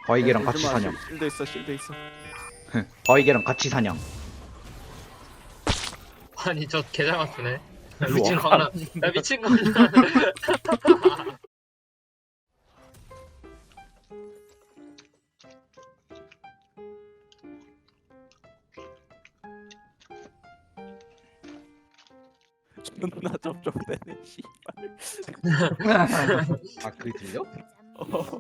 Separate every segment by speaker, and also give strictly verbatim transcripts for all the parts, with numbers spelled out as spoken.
Speaker 1: 바위개랑 같이 사냥.
Speaker 2: 실드 있어, 실드 있어.
Speaker 1: 바위개랑 같이 사냥.
Speaker 3: 아니 저 개잘 맞추네.
Speaker 1: 일로
Speaker 3: 미친
Speaker 1: 와.
Speaker 3: 광란. 야 미친 광란.
Speaker 2: 존나 쩝쩝대네, 씨발.
Speaker 1: 아 그게 들려?
Speaker 2: 어.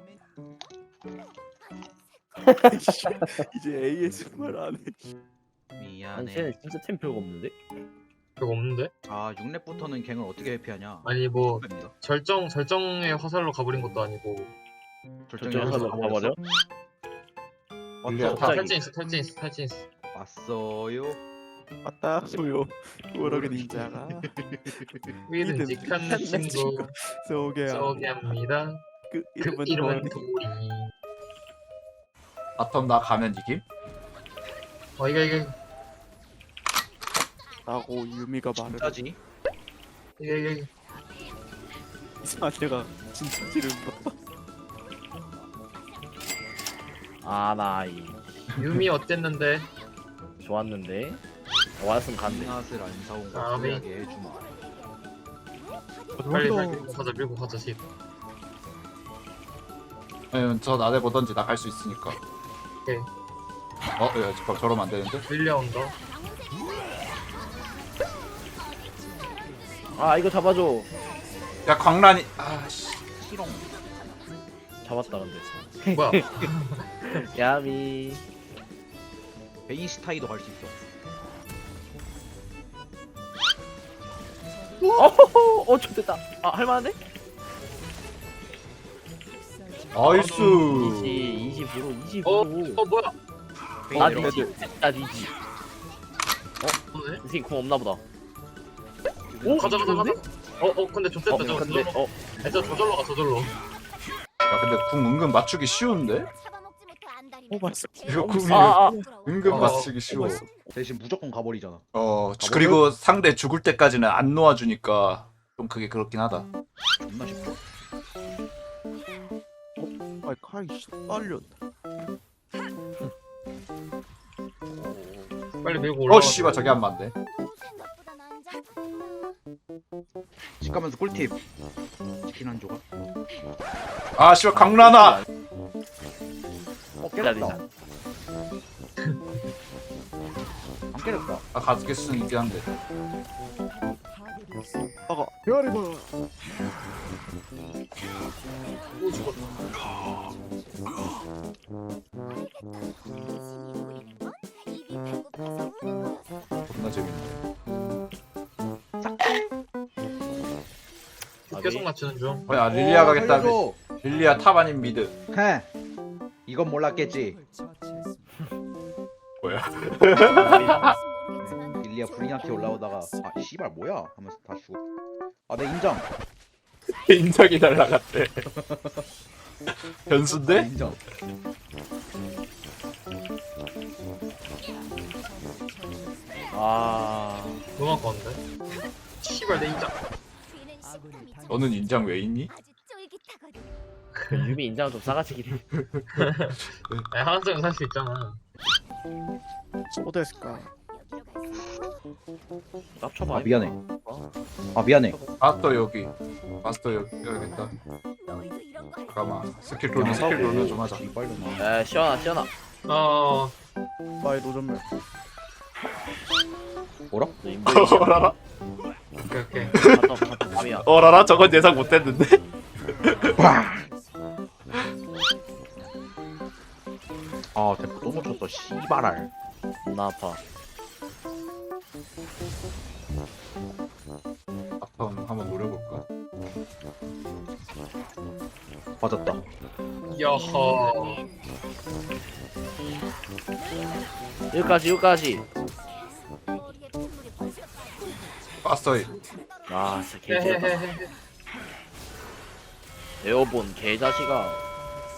Speaker 2: 씨, 이제 에이에스엠알 안 해.
Speaker 4: 아니
Speaker 1: 미안해.
Speaker 4: 쟤는 진짜 템 별거 없는데?
Speaker 3: 그거 없는데?
Speaker 1: 아 육 렙부터는 갱을 어떻게 회피하냐?
Speaker 3: 아니 뭐
Speaker 1: 입니다.
Speaker 3: 절정 절정의 화살로 가버린 것도 아니고.
Speaker 1: 절정의
Speaker 4: 저쪽에
Speaker 1: 화살로
Speaker 4: 가서 가버려?
Speaker 1: 왔어.
Speaker 3: 다
Speaker 4: 갑자기.
Speaker 3: 탈진 있어 탈진 있어 탈진 있어.
Speaker 1: 왔어요.
Speaker 2: 맞다, 소요. 우럭의 닌자가
Speaker 3: 믿음직한 내 친구
Speaker 2: 소개합니다.
Speaker 3: 소개합니다.
Speaker 2: 그
Speaker 3: 그
Speaker 2: 이름은
Speaker 3: 이름은
Speaker 2: 도리.
Speaker 3: 도리.
Speaker 5: 바텀 나 가면 이김?
Speaker 3: 어 이거 이거
Speaker 2: 라고 유미가 말을
Speaker 1: 짜지?
Speaker 3: 이거 이거 이거.
Speaker 2: 이상한 내가 진짜 지를 봐.
Speaker 4: 아나이
Speaker 3: 유미 어땠는데?
Speaker 4: 좋았는데 왔으면 갔네.
Speaker 1: 낫을 안 사온 거
Speaker 3: 아, 네.
Speaker 1: 소리하게 해주마.
Speaker 3: 빨리
Speaker 2: 너-
Speaker 3: 빨리 밀고 가자 밀고 가자 집.
Speaker 5: 아니면 저 나대 보던지 나 갈 수 있으니까.
Speaker 3: 오케이.
Speaker 5: 어? 야 잠깐 저러면 안 되는데?
Speaker 3: 밀려온다.
Speaker 4: 아 이거 잡아줘.
Speaker 5: 야 광란이 아씨
Speaker 1: 시롱.
Speaker 4: 잡았다 근데.
Speaker 3: 뭐야?
Speaker 4: 야미.
Speaker 1: 베인시타이도 갈 수 있어.
Speaker 4: 어허허 어 좋됐다. 아 할만한데?
Speaker 5: 나이스.
Speaker 4: 이지 이십 프로 이십
Speaker 3: 어?
Speaker 4: 프로.
Speaker 3: 어 뭐야?
Speaker 4: 나
Speaker 1: 베인
Speaker 4: 니지. 나 니지.
Speaker 3: 뭐네?
Speaker 4: 이 새끼 공 없나 보다.
Speaker 3: 오 가자 가자 가자.
Speaker 4: 좋은데?
Speaker 3: 어어 근데 좋댔다
Speaker 4: 어
Speaker 3: 저거
Speaker 4: 근데
Speaker 3: 저절로.
Speaker 4: 어
Speaker 3: 야, 저 저절로 가 저절로.
Speaker 5: 야 근데 궁 은근 맞추기 쉬운데?
Speaker 2: 오 맛있어.
Speaker 5: 이거 궁이
Speaker 4: 아, 아.
Speaker 5: 은근
Speaker 3: 어,
Speaker 5: 맞추기 쉬워.
Speaker 1: 대신 무조건 가버리잖아.
Speaker 5: 어 그리고 상대 죽을 때까지는 안 놓아주니까 좀 그게 그렇긴 하다.
Speaker 1: 존나 쉽다.
Speaker 2: 아이 칼이 씨 빨렸다.
Speaker 3: 빨리 밀고 올라가.
Speaker 5: 어 씨발 저게 안 맞네.
Speaker 1: 집 가면서 꿀팁. 치킨 한 조각.
Speaker 5: 아 씨발 광란아.
Speaker 1: 어
Speaker 4: 기다리자.
Speaker 1: 깨졌다. 안 깨졌다.
Speaker 5: 아 가스켓 수는 있긴 한데.
Speaker 2: 아가 별이고.
Speaker 3: 오 죽었다.
Speaker 5: 겁나 재밌네.
Speaker 3: 계속 맞추는 중.
Speaker 5: 어, 야 릴리아 가겠다.
Speaker 1: 알려줘.
Speaker 5: 릴리아 탑 아닌 미드.
Speaker 1: 헤. 이건 몰랐겠지.
Speaker 5: 뭐야?
Speaker 1: 일리아 브리나티 올라오다가 아 씨발 뭐야 하면서 다 죽어. 아 내 인정.
Speaker 5: 인적이 날라갔대.
Speaker 1: 내
Speaker 5: 변수인데?
Speaker 1: 인정.
Speaker 4: 아
Speaker 3: 너무 아까운데. 씨발 내 인장.
Speaker 5: 너는 인장 왜 있니?
Speaker 4: 그 유미 인장 좀 싸가지긴 해.
Speaker 3: 야 하나쯤 살 수 있잖아.
Speaker 2: 어땠을까?
Speaker 4: 깝쳐봐.
Speaker 1: 아 미안해. 아 미안해.
Speaker 5: 마스터 여기. 마스터 여기 여기겠다. 잠깐만. 스킬 돌면 스킬 돌면 좀 하자.
Speaker 1: 이빨로나.
Speaker 4: 에 시원하 시원하.
Speaker 3: 어
Speaker 2: 마이 노전멸.
Speaker 1: 뭐라?
Speaker 4: 너 인보이
Speaker 5: 어라라.
Speaker 3: 오케이 오케이.
Speaker 4: 갔다 갔다 밤이야.
Speaker 5: 어라라 저건 예상 못했는데.
Speaker 1: 아 대포 또 놓쳤어. 씨발알.
Speaker 4: 나 아파.
Speaker 5: 바텀 한번 노려볼까?
Speaker 1: 맞았다.
Speaker 3: 야호.
Speaker 4: 여기까지 여기까지.
Speaker 5: 마스터
Speaker 4: 아 진짜 개지렸다.
Speaker 3: 헤헤헤헤.
Speaker 4: 에어본 개자식아.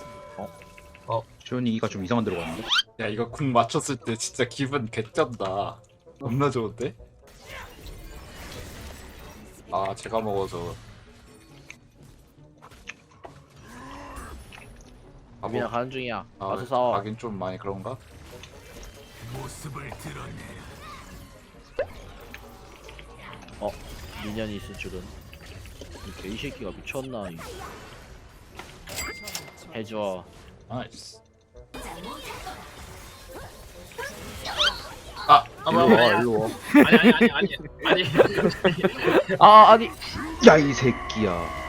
Speaker 1: 주현이 이가 좀 이상한 데로 갔는데.
Speaker 5: 야 이거 궁 맞췄을 때 진짜 기분 개쩐다. 겁나 좋은데? 아 제가 먹어서 아,
Speaker 4: 유빈아
Speaker 5: 뭐,
Speaker 4: 가는 중이야.
Speaker 5: 아,
Speaker 4: 와서 싸워.
Speaker 5: 하긴 좀 많이 그런가?
Speaker 4: 어 미련이 있을 줄은. 이 개새끼가 미쳤나. 이. 해줘.
Speaker 5: 나이스. 아,
Speaker 3: 아,
Speaker 2: 일로
Speaker 3: 뭐야,
Speaker 2: 와
Speaker 3: 뭐야.
Speaker 2: 일로 와.
Speaker 3: 아니 아니 아니 아니 아니.
Speaker 4: 아 아니.
Speaker 1: 야 이 새끼야.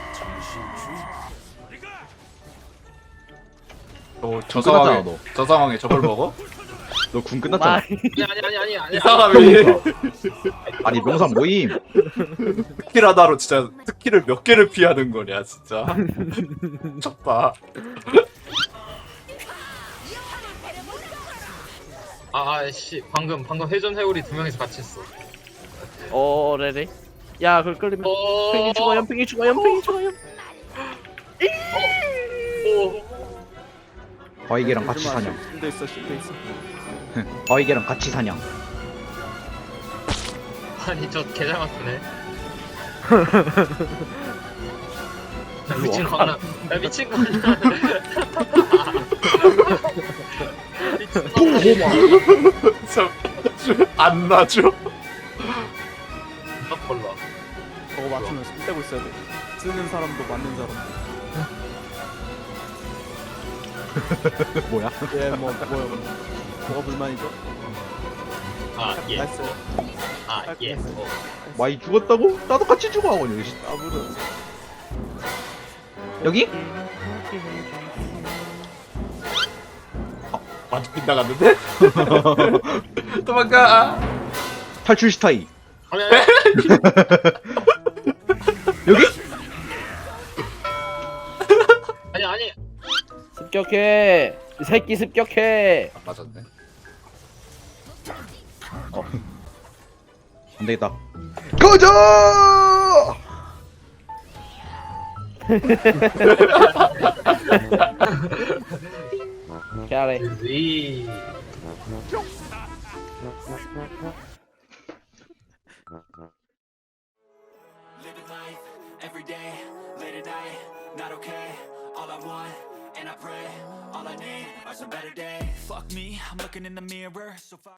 Speaker 5: 너, 저
Speaker 1: 끝났잖아,
Speaker 5: 상황에
Speaker 1: 너.
Speaker 5: 저 상황에 저걸 먹어?
Speaker 1: 너 군 끝났잖아.
Speaker 4: 아,
Speaker 3: 아니 아니 아니 아니.
Speaker 5: 이 사람이
Speaker 1: 아니 명산 모임.
Speaker 5: 스킬 하나로 진짜 스킬을 몇 개를 피하는 거냐 진짜. 쳤다.
Speaker 3: 아씨 방금 방금 회전 회오리 두 명이서 같이 했어.
Speaker 4: 어 레레. 야 그걸 끌리면.
Speaker 3: 어.
Speaker 4: 연팽이 죽어 연팽이 죽어 연팽이 죽어 연.
Speaker 3: 오.
Speaker 1: 바위개랑 같이 사냥.
Speaker 2: 실드 있어 실드 있어.
Speaker 1: 바위개랑 같이 사냥.
Speaker 3: 아니 저 개잘 맞추네. 야, 미친 거 하나. 야 미친 거 하나. 미친 거 하나.
Speaker 5: 안 놔줘.
Speaker 3: 딱 골라.
Speaker 2: 저거 맞추면 손 떼고 있어야 돼. 쓰는 사람도 맞는 사람도.
Speaker 1: 뭐야?
Speaker 2: 얘뭐 뭐야 뭐가 불만이죠?
Speaker 3: 아 예.
Speaker 2: 나이스.
Speaker 3: 아 예. 어.
Speaker 1: 마이 죽었다고? 나도 같이 죽어 하고 여기.
Speaker 2: 아무도.
Speaker 1: 여기?
Speaker 5: 완전 빗나갔는데? 도망가.
Speaker 1: 탈출 스타일.
Speaker 3: 아니 아니.
Speaker 1: 여기?
Speaker 3: 아니 아니.
Speaker 4: 습격해. 이 새끼 습격해.
Speaker 5: 안 맞았네.
Speaker 1: 안 되겠다. 가자!
Speaker 4: 캐래.
Speaker 3: 이.
Speaker 6: Living life every day, late at night, not okay. All I want, and I pray, all I need are some better days. Fuck me, I'm looking in the mirror, so far.